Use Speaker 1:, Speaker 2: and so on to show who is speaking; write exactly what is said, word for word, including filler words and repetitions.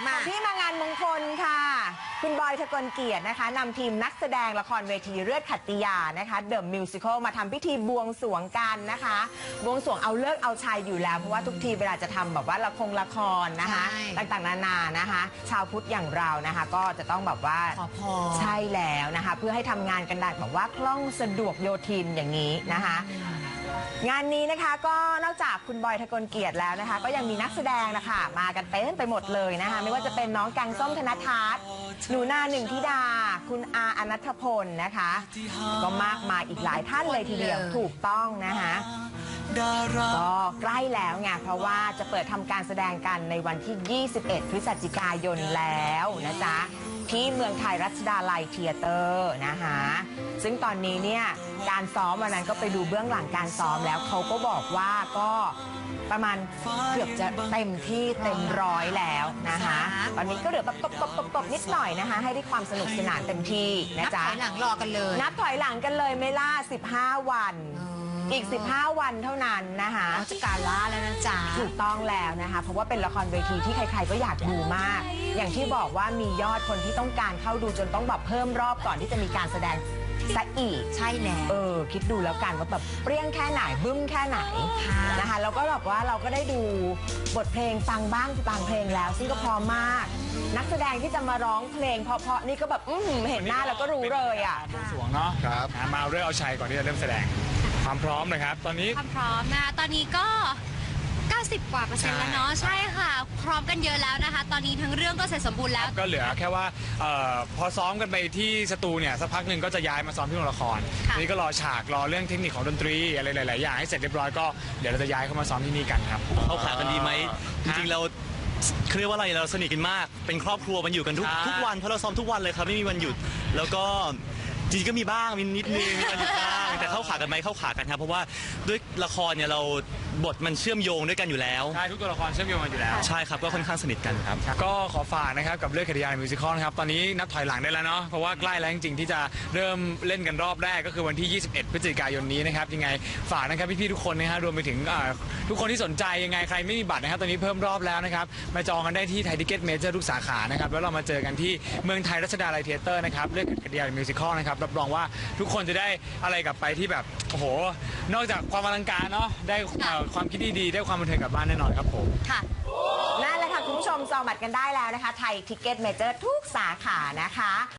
Speaker 1: มาที่มางานมงคลค่ะคุณบอยทะกลเกียรตินะคะนำทีมนักแสดงละครเวทีเลือดขัตติยานะคะเดอะมิวสิคลมาทำพิธีบวงสรวงกันนะคะบวงสรวงเอาเลิกเอาชัยอยู่แล้วเพราะว่าทุกทีเวลาจะทำแบบว่าละครละครนะคะต่างๆนานานะคะชาวพุทธอย่างเรานะคะก็จะต้องแบบว่า
Speaker 2: ขอพร
Speaker 1: ใช่แล้วนะคะเพื่อให้ทำงานกันได้แบบว่าคล่องสะดวกโยทินอย่างนี้นะคะงานนี้นะคะก็นอกจากคุณบอยทะกลเกียรติแล้วนะคะก็ยังมีนักแสดงนะคะมากันเต็มไปหมดเลยนะคะไม่ว่าจะเป็นน้องแกงส้มธนทัศน์หนูนาหนึ่งธิดาคุณอาอนัทพลนะคะก็มากมายอีกหลายท่านเลยทีเดียวถูกต้องนะคะก็ใกล้แล้วไงเพราะว่าจะเปิดทำการแสดงกันในวันที่ยี่สิบเอ็ดพฤศจิกายนแล้วนะจ๊ะที่เมืองไทยรัชดาลัยเธียเตอร์นะคะซึ่งตอนนี้เนี่ยการซ้อมวันนั้นก็ไปดูเบื้องหลังการซ้อมแล้วเขาก็บอกว่าก็ประมาณเกือบจะเต็มที่เต็มร้อยแล้วนะคะตอนนี้ก็เหลือแบบตบๆๆนิดหน่อยนะคะให้ได้ความสนุกสนานเต็มที่นะจ๊ะ
Speaker 2: นับถอยหลังรอกันเลย
Speaker 1: นับถอยหลังกันเลยไม่ล่าสิบห้าวันอีกสิบห้าวันเท่านั้นนะคะ
Speaker 2: จะการล่าแล้วนะจ๊ะ
Speaker 1: ถูกต้องแล้วนะคะเพราะว่าเป็นละครเวทีที่ใครๆก็อยากดูมากอย่างที่บอกว่ามียอดคนที่ต้องการเข้าดูจนต้องแบบเพิ่มรอบก่อนที่จะมีการแสดงซะอีก
Speaker 2: ใช่แล้ว
Speaker 1: เออคิดดูแล้วกันว่าแบบเปรี้ยงแค่ไหนบึ้มแค่ไหนนะคะแล้วก็แบบว่าเราก็ได้ดูบทเพลงฟังบ้างบางเพลงแล้วซึ่งก็พร้อมมากนักแสดงที่จะมาร้องเพลงเพราะๆนี่ก็แบบอื้อหือเห็นหน้าแล้วก็รู้เลยอ่ะ
Speaker 3: บวงสรวงเนาะครับมาเรื่องเอาชัยก่อนที่จะเริ่มแสดงความพร้อมนะครับตอนนี้
Speaker 4: ความพร้อมนะคะตอนนี้ก็เก้าสิบกว่าเปอร์เซ็นต์แล้วเนาะใช่ค่ะพร้อมกันเยอะแล้วนะคะตอนนี้ทั้งเรื่องก็เสร็จสมบูรณ์แล้ว
Speaker 3: ก็เหลือแค่ว่าออพอซ้อมกันไปที่สตูเนี่ยสักพักหนึ่งก็จะย้ายมาซ้อมที่โรงละครนี่ก็รอฉากรอเรื่องเทคนิคของดนตรีอะไรหลายๆอย่างให้เสร็จเรียบร้อยก็เดี๋ยวเราจะย้ายเข้ามาซ้อมที่นี่กันครับ
Speaker 5: เข้าขากันดีไหมจริงๆเราเรียกว่าอะไรเราสนิทกันมากเป็นครอบครัวมันอยู่กันทุกทุกวันเพราะเราซ้อมทุกวันเลยครับไม่มีวันหยุดแล้วก็จริงก็มีบ้างมีนิดนึงมีวันหยุดบ้างแต่เข้าขากันไหมเข้าขากันครับเพราะว่าด้วยละครเนี่ยเราบทมันเชื่อมโยงด้วยกันอยู่แล้ว
Speaker 3: ใช่ทุกตัวละครเชื่อมโยงกันอยู่แล้ว
Speaker 5: ใช่ครับก็ค่อนข้างสนิทกันครับ
Speaker 3: ก็ขอฝากนะครับกับเรื่องขัตติยามิวสิคลนะครับตอนนี้นับถอยหลังได้แล้วเนาะเพราะว่าใกล้แล้วจริงๆที่จะเริ่มเล่นกันรอบแรกก็คือวันที่ยี่สิบเอ็ดพฤศจิกายนนี้นะครับยังไงฝากนะครับพี่ๆทุกคนนะฮะรวมไปถึงทุกคนที่สนใจยังไงใครไม่มีบัตรนะครับตอนนี้เพิ่มรอบแล้วนะครับมาจองกันได้ที่ไทยทิเก็ตเมเจอร์ทุกสาขานะครับแล้วเรามาเจอกันที่เมืองไทยรัชดาลัยเธียเตอร์นะครับเรื่องขัตติยามิวสิคลนะครับรับรองว่าทุกคนจะได้อะไรกลับไปที่แบบโอ้โหนอกจากความอลังการเนาะได้ความคิดดีๆได้ความบันเทิงกลับบ้านแน่นอนครับผม
Speaker 1: ค่ะนั่นแหละค่ะคุณผู้ชมจองบัตรกันได้แล้วนะคะไทยทิเก็ตเมเจอร์ทุกสาขานะคะ